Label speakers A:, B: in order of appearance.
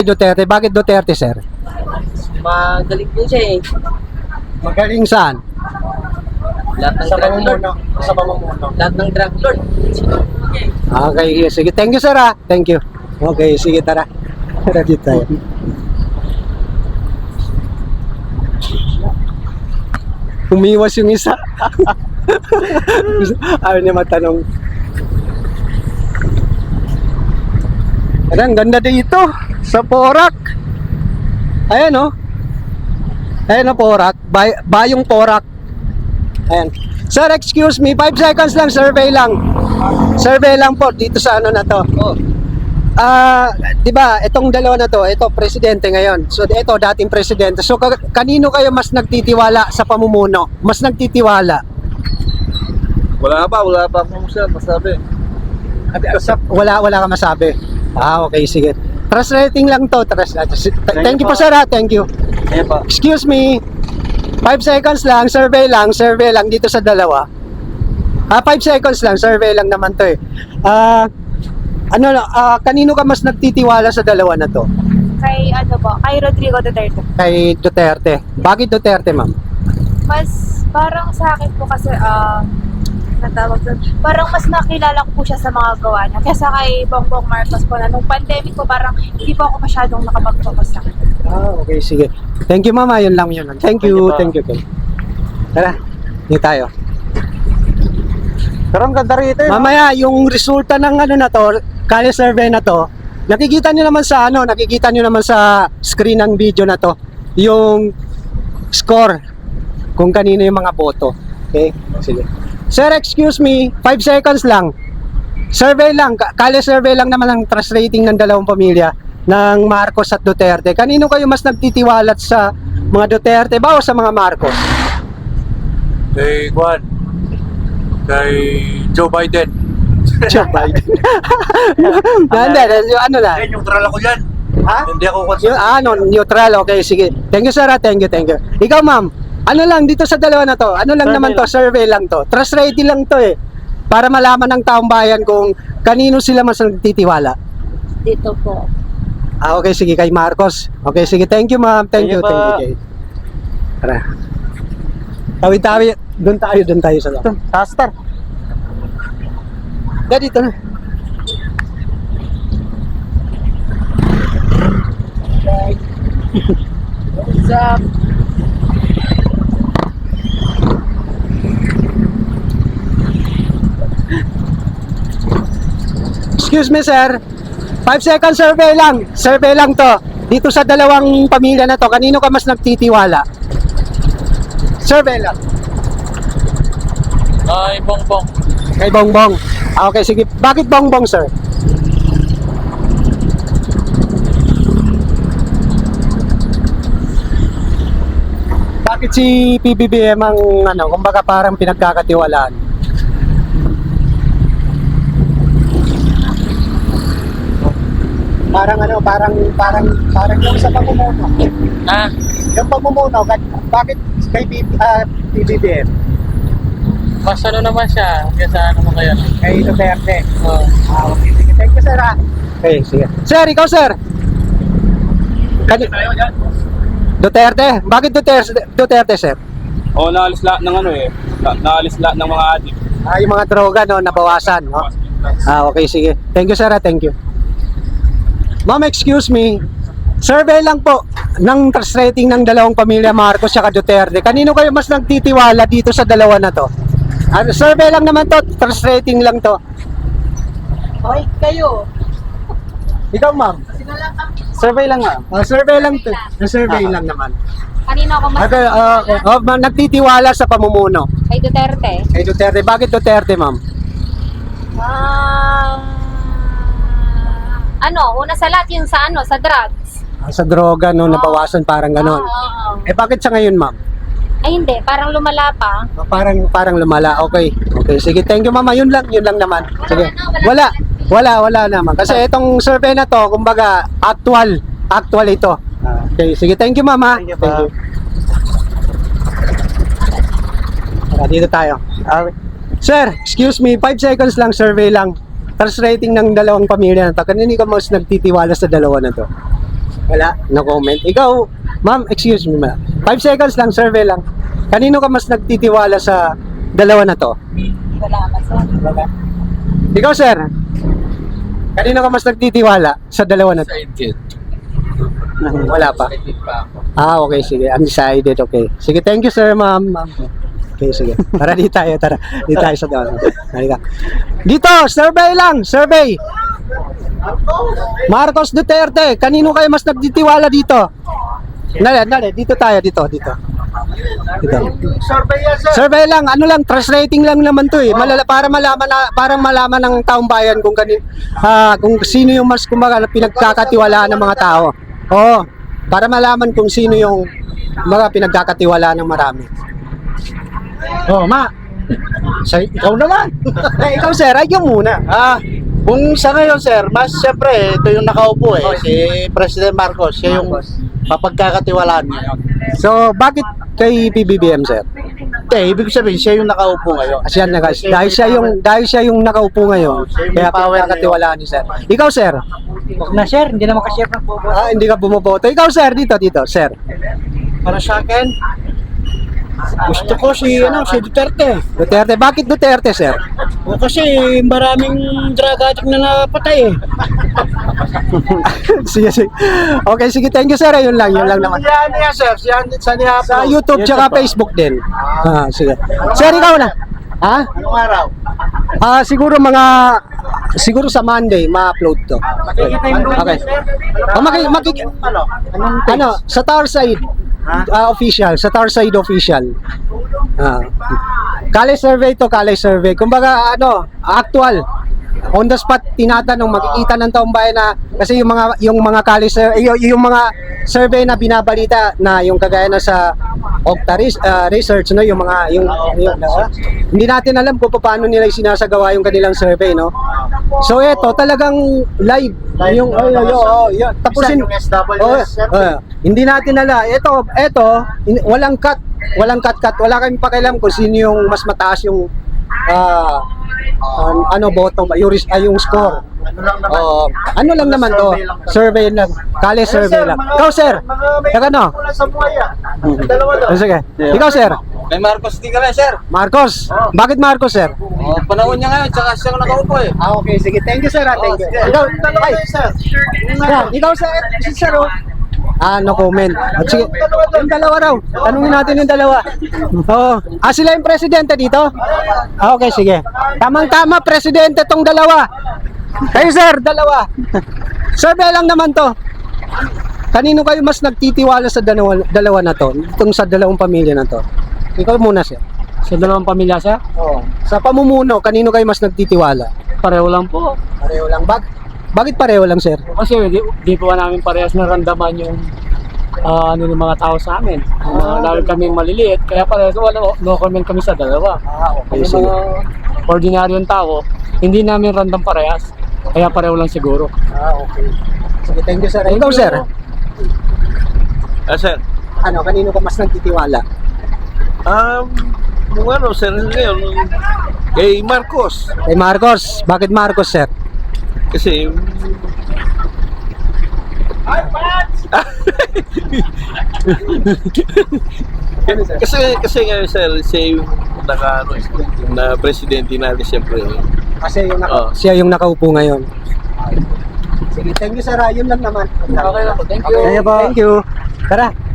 A: Duterte. Bakit Duterte, sir?
B: Magaling po siya eh.
A: Magaling saan?
B: Lahat ng drug lord.
A: Sa pamumuno.
B: Lahat ng drug lord.
A: Okay, sige. Thank you, sir, ah. Thank you. Okay, sige, tara. Tara dito tayo. Umiwas yung isa. Ayaw niya matanong. Ang ganda dito sa Porac. Ayan, oh. Ayan, oh, Porac. Bayong Porac. Ayan. Sir, excuse me. 5 seconds lang. Survey lang. Survey lang po dito sa ano na to.
B: Oh.
A: Di ba, itong dalawa na to, ito presidente ngayon. So ito dating presidente. So kanino kayo mas nagtitiwala sa pamumuno? Mas nagtitiwala?
C: Wala pa akong masabi.
A: Wala ka masabi. Okay, sige. Trust rating lang to. Thank you po, sir. Thank you.
C: Ayan pa.
A: Excuse me. 5 seconds lang, survey lang dito sa dalawa. 5 seconds lang, survey lang naman to eh. Kanino ka mas nagtitiwala sa dalawa na to?
D: Kay kay Rodrigo Duterte.
A: Kay Duterte. Bakit Duterte, ma'am?
D: Mas parang sa akin po kasi natawag doon. Parang mas nakilala ko po siya sa mga gawa niya. Kesa kay Bongbong Marcos po na nung pandemic po parang hindi po ako masyadong nakapag-focus sa kanya.
A: Okay, sige. Thank you, mama. Yun lang. Thank you. Tara, dito tayo.
C: Pero ang ganda rito eh.
A: Mamaya, yung resulta ng ano na to, Kali survey na to, nakikita nyo naman sa screen ng video na to, yung score, kung kanino yung mga boto. Okay? Sige. Sir, excuse me, 5 seconds lang. Survey lang, Kali survey lang naman ang trust rating ng dalawang pamilya ng Marcos at Duterte. Kanino kayo mas nagtitiwalat sa mga Duterte ba o sa mga Marcos?
C: Kay Juan. Kay Joe Biden.
A: Joe Biden. Ano lang?
C: Neutral ako yan.
A: Ha?
C: Hindi ako concerned.
A: Neutral. Okay, sige. Thank you, sir. Thank you. Ikaw, ma'am, ano lang dito sa dalawa na to? Ano lang naman to? Survey lang to. Trust rating lang to eh. Para malaman ng taong bayan kung kanino sila mas nagtitiwala.
D: Dito po.
A: Okay, sige. Kay Marcos. Okay, sige. Thank you, ma'am. Thank you. Tara. Tawid-tawid. Doon tayo sa loob.
C: Star.
A: Dito na.
B: What's up?
A: Excuse me, sir. 5 second survey lang. Survey lang to. Dito sa dalawang pamilya na to, kanino ka mas nagtitiwala? Survey lang.
C: Ay, Bongbong.
A: Kay Bongbong. Okay, sige. Bakit Bongbong, sir? Bakit si PBBM ang kumbaga parang pinagkakatiwalaan? Parang yung sa pamumuno. Yung pamumuno, bakit kay PBBM?
B: Mas ano naman siya, kesa ano mo kaya.
A: Kay Duterte. Okay, sige. Thank you, sir. Okay, sige. Sir, ikaw, sir. Duterte? Bakit Duterte, sir?
C: Naalis lahat ng naalis lahat ng mga adik.
A: Yung mga droga, nabawasan. Okay, sige. Thank you, sir. Thank you. Ma'am, excuse me. Survey lang po ng trust rating ng dalawang pamilya Marcos at Duterte. Kanino kayo mas nagtitiwala dito sa dalawa na to? Survey lang naman to, trust rating lang to.
B: Okay, kayo.
A: Ikaw, ma'am?
C: Survey lang nga.
A: Survey lang to. Survey lang naman.
D: Kanino ako mas
A: Nagtitiwala sa pamumuno.
D: kay Duterte?
A: Kay Duterte. Bakit Duterte, ma'am?
D: Una sa lahat yung sa sa drugs.
A: Sa droga, nabawasan parang ganon.
D: Oo.
A: Bakit sa ngayon, ma'am?
D: Ay hindi, parang lumala pa.
A: Parang lumala. Okay. Sige, thank you, mama. Yun lang naman. Sige. Wala naman. Kasi itong survey na to, kumbaga, actual ito. Okay, sige, thank you, mama.
C: Thank you.
A: Dito tayo. Sir, excuse me, 5 seconds lang, survey lang. Trust rating ng dalawang pamilya na to. Kanino ka mas nagtitiwala sa dalawa na to? Wala, no comment. Ikaw, ma'am, excuse me ma'am. 5 seconds lang, survey lang. Kanino ka mas nagtitiwala sa dalawa na to?
D: Wala naman sir.
A: Ikaw, sir. Kanino ka mas nagtitiwala sa dalawa na to?
B: Excited.
A: Wala pa.
B: Excited pa ako.
A: Okay, sige. Undecided, okay. Sige, thank you, sir, ma'am. Okay, sige. Tara, di tayo sa doon. Halika. Dito, survey lang, survey. Marcos Duterte, kanino kayo mas nagtitiwala dito? Dali, dito tayo, dito. Survey lang, ano lang, trust rating lang naman to eh. Para malaman ng taong bayan kung sino yung mas kumbaga pinagkakatiwalaan ng mga tao. Oo, para malaman kung sino yung mga pinagkakatiwalaan ng marami. Oh, ikaw naman. Ikaw, sir, ay yung muna.
E: Kung sa ngayon, sir, mas siyempre, ito yung nakaupo si President Marcos, siya yung mapagkakatiwalaan niya.
A: So, bakit kay PBBM, sir?
E: Ibig sabihin, siya yung nakaupo ngayon.
A: Dahil siya yung nakaupo ngayon,
E: siya yung
A: kaya
E: may power
A: pinagkakatiwalaan ni sir. Ikaw, sir?
F: Huwag na sir, hindi na makashare ng bobo.
A: Hindi ka bumoboto. Ikaw, sir, dito, sir.
F: Para sa akin, gusto ko si Duterte.
A: Duterte. Bakit Duterte, sir?
F: O kasi maraming drug addict na napatay eh.
A: Sige. Okay, sige. Thank you, sir. Yun lang naman.
E: Yan yan, sir.
A: Sa YouTube tsaka Facebook din. Sige. Sir, ikaw na. Ha?
E: Anong araw?
A: Siguro sa Monday ma-upload to. Okay. Sa Tarside official, sa Tarside official. Kale survey. Kumbaga actual. On the spot tinatanong, makikita ng taong bayan na kasi yung mga yung mga survey na binabalita na yung kagaya na sa Okta research yung hindi natin alam kung paano nila sinasagawa yung kanilang survey, no. So eto talagang live yung tapusin
E: Yung SWS, sir.
A: hindi natin alam eto walang cut, wala kaming pakialam kung sino yung mas mataas yung bottom yung score. Ano lang naman to, survey lang. Kale survey lang. Ikaw, sir.
E: Sa buhay Dalawa daw.
A: Sige. Ikaw, sir.
C: May Marcos di ka na, sir.
A: Marcos. Bakit Marcos, sir?
C: Panahon niya ngayon, tsaka siya nakaupo eh.
A: Okay, sige. Thank you, sir. Thank you. Ikaw, sir. Sir, no comment. At sige, yung dalawa raw. Tanungin natin yung dalawa. Sila yung presidente dito? Okay, sige. Tamang-tama, presidente tong dalawa. Kayo, sir, dalawa. Survey lang naman to. Kanino kayo mas nagtitiwala sa dalawa na to? Itong sa dalawang pamilya na to? Ikaw muna, sir.
F: Sa dalawang pamilya sir,
A: Sa pamumuno, kanino kayo mas nagtitiwala?
F: pareho lang po.
A: Pareho lang. Bakit pareho lang, sir?
F: Kasi di po namin parehas naramdaman yung ng mga tao sa amin. Lalo kaming maliliit, kaya parehas no comment kami sa dalawa.
A: Okay,
F: Yung mga ordinaryong tao, hindi namin random parehas. Kaya pareho lang siguro.
A: Okay. Sige, thank you, sir. Ikaw, sir.
C: Sir.
A: Kanino ka mas nagtitiwala?
C: Sir, ngayon, kay Marcos.
A: Kay Marcos. Bakit Marcos, sir?
C: Kasi, kasi ngayon, sir, siya yung na presidente natin, siyempre.
A: Kasi siya yung nakaupo ngayon. Sige, thank you, sir. Yun lang naman.
F: Okay lang po, thank you.
A: Thank you. Tara.